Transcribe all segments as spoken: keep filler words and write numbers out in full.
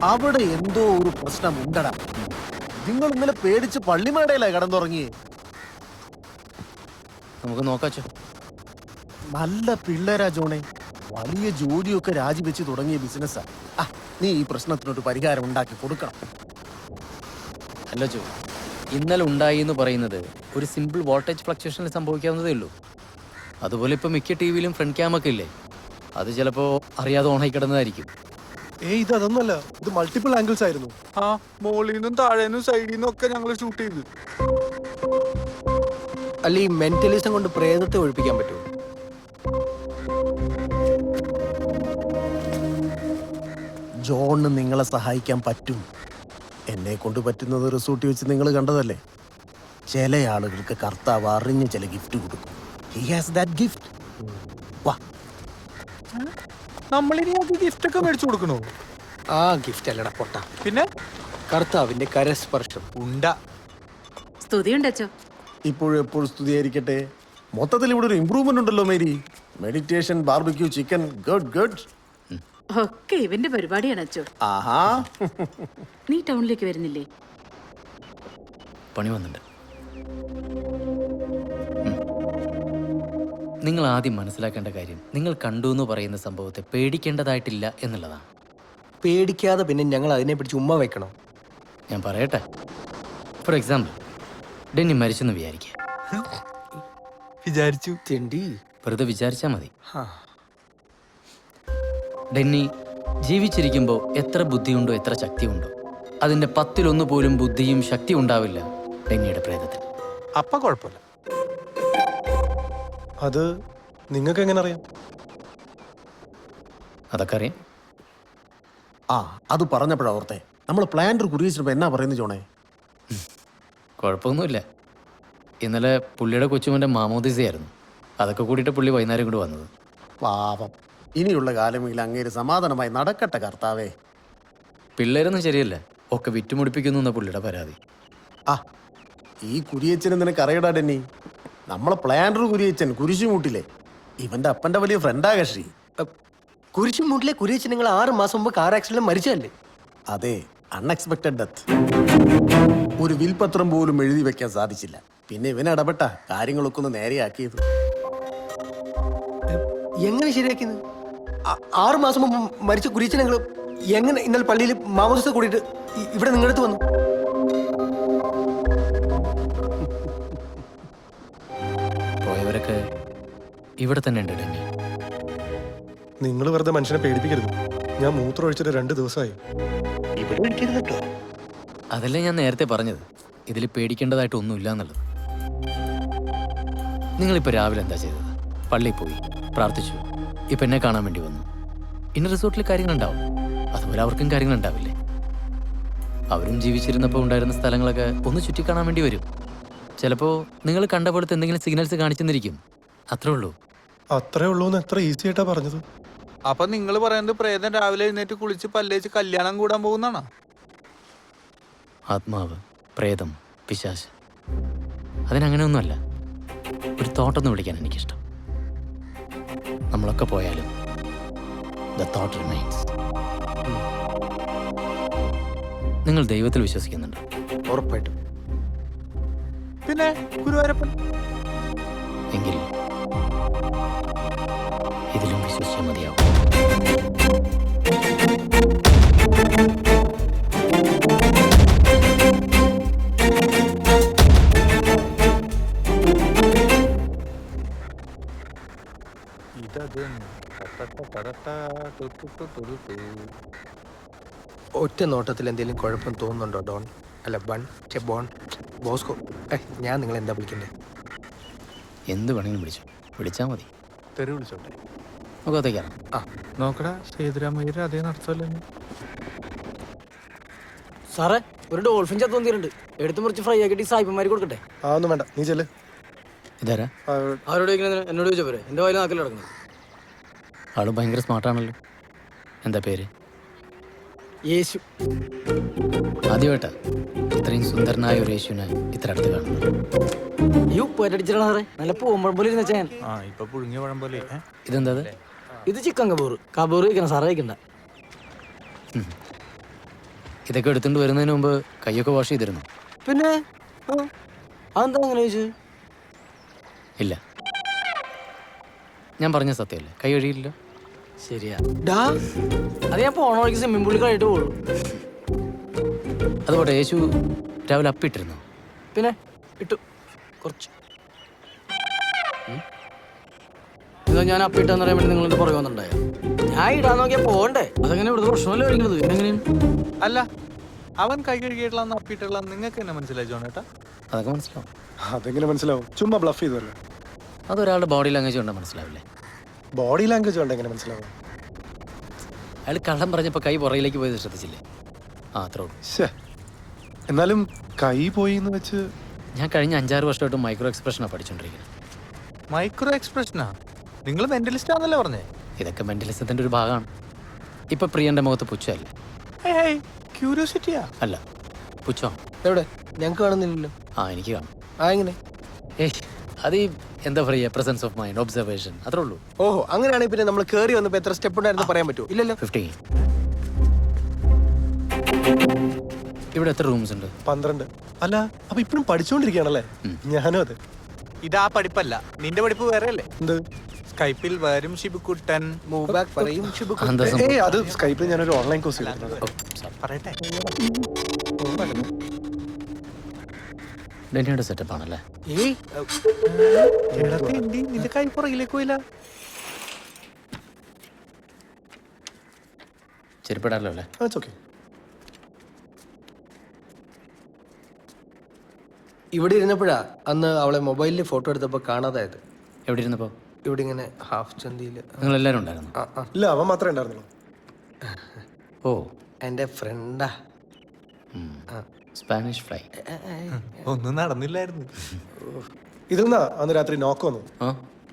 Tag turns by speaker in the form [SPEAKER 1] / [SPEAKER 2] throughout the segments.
[SPEAKER 1] അവിടെ എന്തോ ഒരു പ്രശ്നം ഉണ്ടടാ. നിങ്ങൾ ഇന്നലെ പേടിച്ച് പള്ളിമേടയിലാ കടന്നുറങ്ങിയേ.
[SPEAKER 2] നമുക്ക് നോക്കാച്ചോ.
[SPEAKER 1] നല്ല പിള്ളേരാ ജോണെ, വലിയ ജോലിയൊക്കെ രാജിവെച്ച് തുടങ്ങിയ ബിസിനസ്സാ. ആ നീ ഈ പ്രശ്നത്തിനൊരു പരിഹാരം ഉണ്ടാക്കി കൊടുക്കണം.
[SPEAKER 2] അല്ല ചോ, ഇന്നലെ ഉണ്ടായി എന്ന് പറയുന്നത് ഒരു സിമ്പിൾ വോൾട്ടേജ് ഫ്ലക്ച്വേഷനിൽ സംഭവിക്കാവുന്നതേ ഉള്ളൂ. അതുപോലെ ഇപ്പം മിക്ക ടി വിയിലും ഫ്രണ്ട് ക്യാമൊക്കെ ഇല്ലേ, അത് ചിലപ്പോൾ അറിയാതെ ഓണായി കിടന്നതായിരിക്കും.
[SPEAKER 3] ഏയ് ഇത് അതൊന്നല്ല, ഇത് മൾട്ടിപ്പിൾ ആംഗിൾസ് ആയിരുന്നു.
[SPEAKER 4] ആ മോളിൽ നിന്നും താഴേന്നും സൈഡിൽ നിന്നും ഒക്കെ ഞങ്ങൾ ഷൂട്ട് ചെയ്തു.
[SPEAKER 5] അല്ല ഈ മെന്റലിസം കൊണ്ട് പ്രേതത്തെ ഒഴിപ്പിക്കാൻ പറ്റുമോ?
[SPEAKER 1] ജോണിന് നിങ്ങളെ സഹായിക്കാൻ പറ്റും. എന്നെ കൊണ്ട് പറ്റുന്നത് റിസോർട്ടിൽ വെച്ച് നിങ്ങൾ കണ്ടതല്ലേ. ചില ആളുകൾക്ക് കർത്താവ് അറിഞ്ഞ് ചില ഗിഫ്റ്റ് കൊടുക്കും. He has that gift. വാ,
[SPEAKER 4] നമ്മളിനി അത് ഗിഫ്റ്റ് ഒക്കെ മേടിച്ചു കൊടുക്കണോ?
[SPEAKER 5] ആ ഗിഫ്റ്റ് അല്ലടാ പൊട്ട,
[SPEAKER 4] പിന്നെ
[SPEAKER 5] കർത്താവിന്റെ കരസ്പർശം ഉണ്ട.
[SPEAKER 6] സ്തുതിയുണ്ടോ?
[SPEAKER 1] ഇപ്പോഴും എപ്പോഴും സ്തുതിയായിരിക്കട്ടെ. മൊത്തത്തിൽ ഇവിടെ ഒരു ഇമ്പ്രൂവ്മെന്റ് ഉണ്ടല്ലോ Mary. Meditation, barbecue chicken, good good.
[SPEAKER 6] ഒക്കെ ഇവന്റെ പരിപാടിയാണ് അച്ചോ.
[SPEAKER 1] ആഹാ,
[SPEAKER 6] നീ ടൗണിലേക്ക് വരുന്നില്ലേ?
[SPEAKER 2] പണി വന്നിട്ടുണ്ട്. നിങ്ങൾ ആദ്യം മനസ്സിലാക്കേണ്ട കാര്യം, നിങ്ങൾ കണ്ടു എന്ന് പറയുന്ന സംഭവത്തെ പേടിക്കേണ്ടതായിട്ടില്ല എന്നുള്ളതാണ്.
[SPEAKER 5] പേടിക്കാതെ പിന്നെ ഞങ്ങൾ അതിനെ പിടിച്ച് ഉമ്മ വെക്കണം.
[SPEAKER 2] ഞാൻ പറയട്ടെ, ഫോർ എക്സാമ്പിൾ, ഡെന്നി മരിച്ചെന്ന് വിചാരിക്കുക.
[SPEAKER 4] വിചാരിച്ചു
[SPEAKER 5] തിണ്ടി
[SPEAKER 2] വെറുതെ വിചാരിച്ചാൽ മതി. ഡെന്നി ജീവിച്ചിരിക്കുമ്പോൾ എത്ര ബുദ്ധിയുണ്ടോ എത്ര ശക്തിയുണ്ടോ അതിൻ്റെ പത്തിലൊന്നു പോലും ബുദ്ധിയും ശക്തി ഉണ്ടാവില്ല ഡെന്നിയുടെ പ്രേതത്തിൽ.
[SPEAKER 4] അപ്പ കുഴപ്പമില്ല.
[SPEAKER 3] അത് നിങ്ങൾക്ക് എങ്ങനെ അറിയാം?
[SPEAKER 2] അതൊക്കെ അറിയാം.
[SPEAKER 1] ആ അത് പറഞ്ഞപ്പോഴാ ഓർത്തെ, നമ്മൾ പ്ലാന്റർ കുറിയിച്ചപ്പോൾ എന്നാ പറയുന്നത് ജോണേ?
[SPEAKER 2] കുഴപ്പമൊന്നുമില്ല. ഇന്നലെ പുള്ളിയുടെ കൊച്ചുമൻ്റെ മാമോദിസയായിരുന്നു. അതൊക്കെ കൂടിയിട്ട് പുള്ളി വൈകുന്നേരം കൂടി വന്നത്.
[SPEAKER 1] പാപം, ഇനിയുള്ള കാലമെങ്കിൽ അങ്ങേര് സമാധാനമായി നടക്കട്ടെ കർത്താവേ.
[SPEAKER 2] പിള്ളേരൊന്നും ശരിയല്ല, ഒക്കെ വിറ്റുമുടിപ്പിക്കുന്നു എന്ന പുള്ളിയുടെ പരാതി.
[SPEAKER 1] ആ ഈ കുരിയച്ചനെ നിനക്ക് അറിയടാ ഡെന്നി. നമ്മളെ പ്ലാന്റർ കുരിയച്ചൻ കുരിശുമൂട്ടിലെ ഇവന്റെ അപ്പന്റെ വലിയ ഫ്രണ്ടാ കക്ഷി.
[SPEAKER 5] കുരിശുമൂട്ടിലെ കുരിയച്ചൻ നിങ്ങൾ ആറ് മാസം മുമ്പ് കാർ ആക്സിഡന്റ് മരിച്ചല്ലേ?
[SPEAKER 1] അതെ, അൺഎക്സ്പെക്ടഡ് ഡെത്ത്. ഒരു വിൽപത്രം പോലും എഴുതി വെക്കാൻ സാധിച്ചില്ല. പിന്നെ ഇവൻ ഇടപെട്ട കാര്യങ്ങളൊക്കെ ഒന്ന് നേരെയാക്കിയത്.
[SPEAKER 5] എങ്ങനെ ശരിയാക്കിയത്? ആറു മാസം മുമ്പ് മരിച്ച കുരിയച്ചൻ നിങ്ങൾ എങ്ങനെ ഇന്നലെ പള്ളിയിൽ മാമോദിസ കൂടിയിട്ട് ഇവിടെ നിങ്ങളടുത്ത് വന്നു?
[SPEAKER 2] പോയവരൊക്കെ ഇവിടെ തന്നെ ഉണ്ട് ഡെന്നി.
[SPEAKER 3] നിങ്ങൾ വെറുതെ മനുഷ്യനെ പേടിപ്പിക്കരുത്. ഞാൻ മൂത്രം ഒഴിച്ചിട്ട് രണ്ട് ദിവസമായി.
[SPEAKER 2] അതല്ലേ ഞാൻ നേരത്തെ പറഞ്ഞത്, ഇതിൽ പേടിക്കേണ്ടതായിട്ട് ഒന്നുമില്ല എന്നുള്ളത്. നിങ്ങളിപ്പോൾ രാവിലെ എന്താ ചെയ്തത്? പള്ളിയിൽ പോയി പ്രാർത്ഥിച്ചു, ഇപ്പം എന്നെ കാണാൻ വേണ്ടി വന്നു. ഇന്ന റിസോർട്ടിൽ കാര്യങ്ങളുണ്ടാവും, അതുപോലെ അവർക്കും കാര്യങ്ങളുണ്ടാവില്ലേ? അവരും ജീവിച്ചിരുന്നപ്പോൾ ഉണ്ടായിരുന്ന സ്ഥലങ്ങളൊക്കെ ഒന്ന് ചുറ്റിക്കാണാൻ വേണ്ടി വരും. ചിലപ്പോൾ നിങ്ങൾ കണ്ട പോലത്തെ എന്തെങ്കിലും സിഗ്നൽസ് കാണിച്ചെന്നിരിക്കും. അത്രേ ഉള്ളൂ.
[SPEAKER 3] അത്രേ ഉള്ളൂ എന്ന് എത്ര ഈസി ആയിട്ടാ പറഞ്ഞത്.
[SPEAKER 4] അപ്പൊ നിങ്ങൾ പറയുന്നത് പ്രേതം രാവിലെ എഴുന്നേറ്റ് കുളിച്ച് പല്ലേച്ച് കല്യാണം കൂടാൻ പോകുന്നാണോ?
[SPEAKER 2] ആത്മാവ്, പ്രേതം, പിശാച്, അതിനങ്ങനെയൊന്നുമല്ല. ഒരു തോട്ടൊന്ന് വിളിക്കാൻ എനിക്കിഷ്ടം. നമ്മളൊക്കെ പോയാലും ദ തോട്ട് റിമൈൻസ്. നിങ്ങൾ ദൈവത്തിൽ വിശ്വസിക്കുന്നുണ്ടോ?
[SPEAKER 5] ഉറപ്പായിട്ടും.
[SPEAKER 4] പിന്നെ ഗുരുവായൂരപ്പൻ.
[SPEAKER 2] എങ്കിൽ ഇതിലും വിശ്വസിച്ചാൽ മതിയാവും.
[SPEAKER 5] ഒറ്റ നോട്ടത്തിൽ എന്തെങ്കിലും കുഴപ്പം തോന്നുന്നുണ്ടോ ഡോൺ? അല്ല ബൺ ചെ ബോൺ ബോസ്കോ. ഞാൻ നിങ്ങൾ എന്താ വിളിക്കണ്ടേ?
[SPEAKER 2] എന്ത് വേണമെങ്കിലും വിളിച്ചു, വിളിച്ചാൽ മതി.
[SPEAKER 4] തെറി വിളിച്ചോട്ടെ.
[SPEAKER 2] മുഖത്തേക്കാണ്.
[SPEAKER 4] ആ നോക്കടാ, സേതുരാമയ്യർ അതേ നടത്തല്ലേ.
[SPEAKER 7] സാറേ, ഒരു ഡോൾഫിൻ ചത്തു വന്നിട്ടുണ്ട്. എടുത്ത് മുറിച്ച് ഫ്രൈ ആക്കിയിട്ട് സായിപ്പന്മാർ കൊടുക്കട്ടെ?
[SPEAKER 3] ആ ഒന്നും വേണ്ട, നീ ചെല്ല്.
[SPEAKER 2] ഇതാരാ?
[SPEAKER 7] അവരോട് ചോദിക്കുന്നത് എന്നോട് ചോദിച്ചാൽ പോരെ? എൻ്റെ വായിൽ നാക്കിൽ കിടക്കുന്നത്.
[SPEAKER 2] ആള് ഭയങ്കര സ്മാർട്ടാണല്ലോ. എന്താ പേര്?
[SPEAKER 7] യേശു.
[SPEAKER 2] ആദ്യമായിട്ടാ ഇത്രയും സുന്ദരനായ ഒരു യേശുവിനെ ഇത്ര അടുത്ത് കാണുന്നത്.
[SPEAKER 7] ഈ ഉപ്പേറ്റടിച്ചിട്ടാണ് സാറേ, നല്ല പൂമ്പഴം പോലെ ഇരുന്ന ഞാൻ.
[SPEAKER 4] ആ ഇപ്പൊ പുഴുങ്ങിയ പഴം പോലെ.
[SPEAKER 2] ഇതെന്താ?
[SPEAKER 7] ഇത് ചിക്കൻ കബൂർ. കബൂർ കഴിക്കണം സാറേ, കഴിക്കണ്ട.
[SPEAKER 2] ഇതൊക്കെ എടുത്തുകൊണ്ട് വരുന്നതിന് മുമ്പ് കൈയൊക്കെ വാഷ് ചെയ്തിരുന്നു.
[SPEAKER 7] പിന്നെ ആ, അതെന്താ അങ്ങനെ ചോദിച്ചു?
[SPEAKER 2] ഇല്ല, ഞാൻ പറഞ്ഞ സത്യമല്ലേ, കൈ കഴുകിയില്ല.
[SPEAKER 7] ശരിയാ ഡാ, അത് ഞാൻ പോണ വഴിക്ക് സ്വിമ്മിംഗ് പൂളിൽ കഴിയിട്ട് പോകുള്ളൂ.
[SPEAKER 2] അതുപോലെ യേശു രാവിലെ അപ്പിട്ടിരുന്നു.
[SPEAKER 7] പിന്നെ ഇട്ടു കുറച്ച്. ഇതാ ഞാൻ അപ്പിട്ടെന്ന് പറയാൻ വേണ്ടി നിങ്ങളുടെ പുറകെ വന്നിട്ടുണ്ടായ ഞാൻ ഇടാൻ നോക്കിയാ പോകണ്ടേ? അതങ്ങനെ ഇവിടുത്തെ പ്രശ്നമല്ലേ കഴിക്കുന്നത്? എങ്ങനെയാണ്?
[SPEAKER 4] അല്ല, അവൻ കൈ കഴുകിയിട്ടുള്ള അപ്പിട്ടുള്ള നിങ്ങൾക്ക് എന്നെ മനസ്സിലായി ജോണേട്ടാ?
[SPEAKER 2] അതൊക്കെ മനസ്സിലാവും.
[SPEAKER 3] അതെങ്ങനെ മനസ്സിലാവും? ചുമ്മാ ബ്ലഫ് ചെയ്തല്ലേ.
[SPEAKER 2] അതൊരാളുടെ ബോഡി ലാംഗ്വേജ് കൊണ്ടാൽ മനസ്സിലാവില്ലേ?
[SPEAKER 3] ബോഡി ലാംഗ്വേജ് കൊണ്ട് എങ്ങനെ മനസ്സിലാവും?
[SPEAKER 2] അയാൾ കള്ളം പറഞ്ഞപ്പോൾ കൈ പുറകിലേക്ക് പോയത് ശ്രദ്ധിച്ചില്ലേ? ആ അത്രേ ഉള്ളൂ.
[SPEAKER 3] ശ്ശേ, എന്നാലും കൈ പോയി എന്ന് വെച്ച്
[SPEAKER 2] ഞാൻ കഴിഞ്ഞ അഞ്ചാറ് വർഷമായിട്ട് മൈക്രോ എക്സ്പ്രഷനാണ് പഠിച്ചുകൊണ്ടിരിക്കുന്നത്.
[SPEAKER 4] മൈക്രോ എക്സ്പ്രഷനാ? നിങ്ങൾ മെന്റലിസ്റ്റ് ആണെന്നല്ലേ പറഞ്ഞേ?
[SPEAKER 2] ഇതൊക്കെ മെന്റലിസത്തിൻ്റെ ഒരു ഭാഗമാണ്. ഇപ്പം പ്രിയൻ്റെ മുഖത്ത് പുച്ഛമല്ല.
[SPEAKER 4] ക്യൂരിയോസിറ്റിയാ?
[SPEAKER 2] അല്ല, പുച്ഛമാണ്.
[SPEAKER 5] എവിടെ? ഞങ്ങൾക്ക് കാണുന്നില്ലല്ലോ.
[SPEAKER 2] ആ എനിക്ക് കാണും.
[SPEAKER 5] ആ എങ്ങനെ?
[SPEAKER 2] ഏയ് അത് ഈ എന്താ പറയുക, പ്രസൻസ് ഓഫ് മൈൻഡ്, ഒബ്സർവേഷൻ, അത്രേ ഉള്ളൂ.
[SPEAKER 5] ഓഹോ, അങ്ങനെയാണെങ്കിൽ പിന്നെ നമ്മൾ കയറി വന്നപ്പോൾ എത്ര സ്റ്റെപ്പ് ഉണ്ടായിരുന്നു പറയാൻ പറ്റുമോ? ഇല്ലല്ലോ.
[SPEAKER 2] ഫിഫ്റ്റീൻ. ഇവിടെ എത്ര റൂംസ് ഉണ്ട്?
[SPEAKER 3] പന്ത്രണ്ട്. അല്ല, അപ്പൊ ഇപ്പഴും പഠിച്ചുകൊണ്ടിരിക്കുകയാണല്ലേ? ഞാനും അതെ.
[SPEAKER 4] ഇതാ പഠിപ്പല്ല, നിന്റെ പഠിപ്പ് വേറെ അല്ലേ?
[SPEAKER 3] എന്ത്?
[SPEAKER 4] സ്കൈപ്പിൽ വരും ഷിബുക്കുട്ടൻ.
[SPEAKER 5] മൂവ് ബാക്ക് പറയും ഷിബുക്കുട്ടൻ.
[SPEAKER 2] അതെന്താ സംഭവം?
[SPEAKER 3] ഏയ് അത് സ്കൈപ്പിൽ ഞാനൊരു ഓൺലൈൻ കോഴ്സ് ചെയ്തിട്ടുണ്ട്.
[SPEAKER 2] ഓ, sorry.
[SPEAKER 4] പറയട്ടെ.
[SPEAKER 2] ഡെന്നിയുടെ സെറ്റപ്പ് ആണല്ലേ?
[SPEAKER 5] ഏയ്
[SPEAKER 4] എടാ തെണ്ടി, നിന്റെ കൈ പുറകിലേക്ക് പോയില്ല.
[SPEAKER 2] ചെരുപ്പിടാലോ അല്ലേ?
[SPEAKER 3] That's okay.
[SPEAKER 5] ഇവിടെ ഇരുന്നപ്പോഴാ അന്ന് അവളെ മൊബൈലിൽ ഫോട്ടോ എടുത്തപ്പോൾ കാണാതായത്.
[SPEAKER 2] എവിടെ ഇരുന്നപ്പോൾ?
[SPEAKER 5] ഇവിടെ ഇങ്ങനെ ഹാഫ് ചന്തിയിൽ.
[SPEAKER 2] നിങ്ങൾ എല്ലാവരും ഉണ്ടായിരുന്നു?
[SPEAKER 5] ആ ആ
[SPEAKER 3] ഇല്ല, അവൻ മാത്രമേ ഉണ്ടായിരുന്നുള്ളൂ.
[SPEAKER 2] ഓ,
[SPEAKER 5] എൻ്റെ ഫ്രണ്ടാ.
[SPEAKER 2] Spanish fly.
[SPEAKER 4] ഒന്നും നടന്നില്ലായിരുന്നു.
[SPEAKER 3] ഇതിൽ നിന്നാ അന്ന് രാത്രി നോക്ക് വന്നു.
[SPEAKER 2] ആ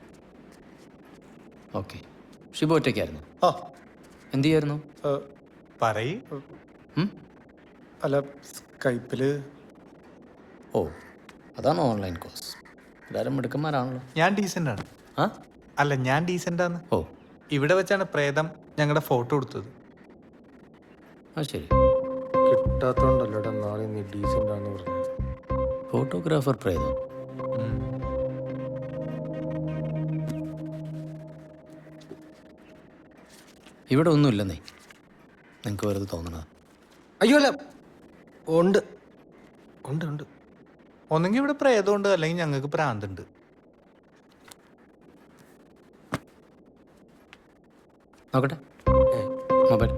[SPEAKER 2] ഓക്കെ. ഷിബു ഒറ്റയ്ക്കായിരുന്നു?
[SPEAKER 3] ആ
[SPEAKER 2] എന്ത് ചെയ്യായിരുന്നു?
[SPEAKER 3] ഏ,
[SPEAKER 4] പറയ്.
[SPEAKER 2] ഉം?
[SPEAKER 3] അല്ല, സ്കൈപ്പില്.
[SPEAKER 2] ഓ, അതാണ് ഓൺലൈൻ കോഴ്സ്. എല്ലാവരും മിടുക്കന്മാരാണല്ലോ.
[SPEAKER 4] ഞാൻ ഡീസൻ്റ് ആണ്.
[SPEAKER 2] ആ
[SPEAKER 4] അല്ല, ഞാൻ ഡീസൻ്റ് ആണ്.
[SPEAKER 2] ഓ,
[SPEAKER 4] ഇവിടെ വെച്ചാണ് പ്രേതം ഞങ്ങളുടെ ഫോട്ടോ എടുത്തത്.
[SPEAKER 2] ആ ശരി.
[SPEAKER 5] കിട്ടാത്തോണ്ടല്ലോടാ നാളെ നീ ഡീസൻ്റ് ആണെന്ന് പറഞ്ഞു.
[SPEAKER 2] ഫോട്ടോഗ്രാഫർ പ്രേതം. ഇവിടെ ഒന്നുമില്ലെന്നേ, നിങ്ങൾക്ക് വെറുതെ തോന്നണത്.
[SPEAKER 5] അയ്യോ അല്ല, ഉണ്ട് ഉണ്ട് ഉണ്ട്.
[SPEAKER 4] ഒന്നെങ്കിൽ ഇവിടെ പ്രേതമുണ്ട്, അല്ലെങ്കിൽ ഞങ്ങൾക്ക് പ്രാന്തുണ്ട്.
[SPEAKER 2] നോക്കട്ടെ മൊബൈൽ.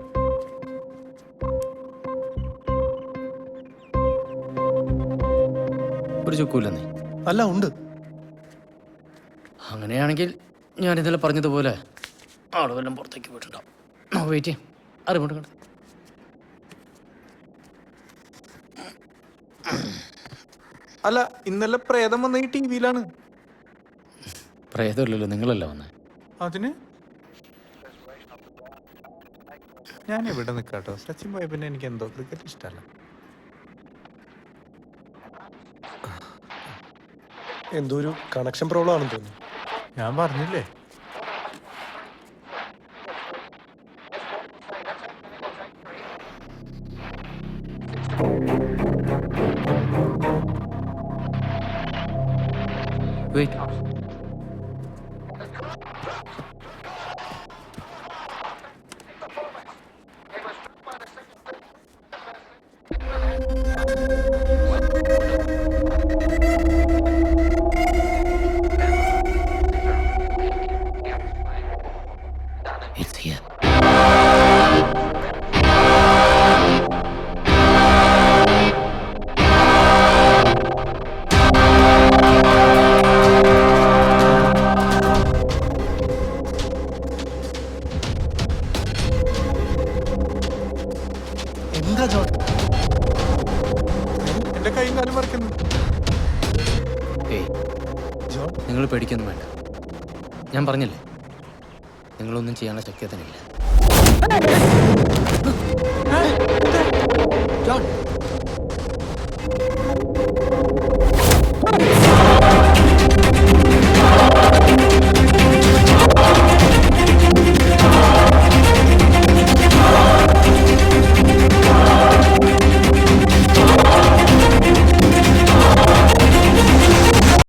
[SPEAKER 2] ഒരു ചുക്കൂല്ലെന്നേ.
[SPEAKER 3] അല്ല, ഉണ്ട്.
[SPEAKER 2] അങ്ങനെയാണെങ്കിൽ ഞാൻ ഇന്നലെ പറഞ്ഞതുപോലെ ആളുകളെല്ലാം പുറത്തേക്ക് പോയിട്ടുണ്ടാവും. നമുക്ക് വെയിറ്റ് ചെയ്യാം. അറിവുണ്ട് കണ്ടു.
[SPEAKER 4] അല്ല, ഇന്നലെ പ്രേതം വന്ന ഈ ടി വിയിലാണ്.
[SPEAKER 2] പ്രേതമില്ലല്ലോ, നിങ്ങളല്ല വന്നേ.
[SPEAKER 4] അതിന് ഞാൻ ഇവിടെ നിൽക്കാട്ടോ. സച്ചിൻ പോയ പിന്നെ എനിക്ക് എന്തോ ക്രിക്കറ്റ് ഇഷ്ടമല്ല.
[SPEAKER 3] എന്തോ ഒരു കണക്ഷൻ പ്രോബ്ലം ആണെന്ന് തോന്നുന്നു.
[SPEAKER 4] ഞാൻ പറഞ്ഞില്ലേ.
[SPEAKER 2] വെയിറ്റ്. It's here.
[SPEAKER 3] എന്താ ജോൺ?
[SPEAKER 4] എന്റെ കൈയും കാലും മറിക്കുന്നു.
[SPEAKER 2] ഏയ്,
[SPEAKER 3] ജോൺ
[SPEAKER 2] നിങ്ങൾ പേടിക്കൊന്നും വേണ്ട. ഞാൻ പറഞ്ഞില്ലേ, നിങ്ങളൊന്നും ചെയ്യാനുള്ള ശക്തി അതിനില്ല.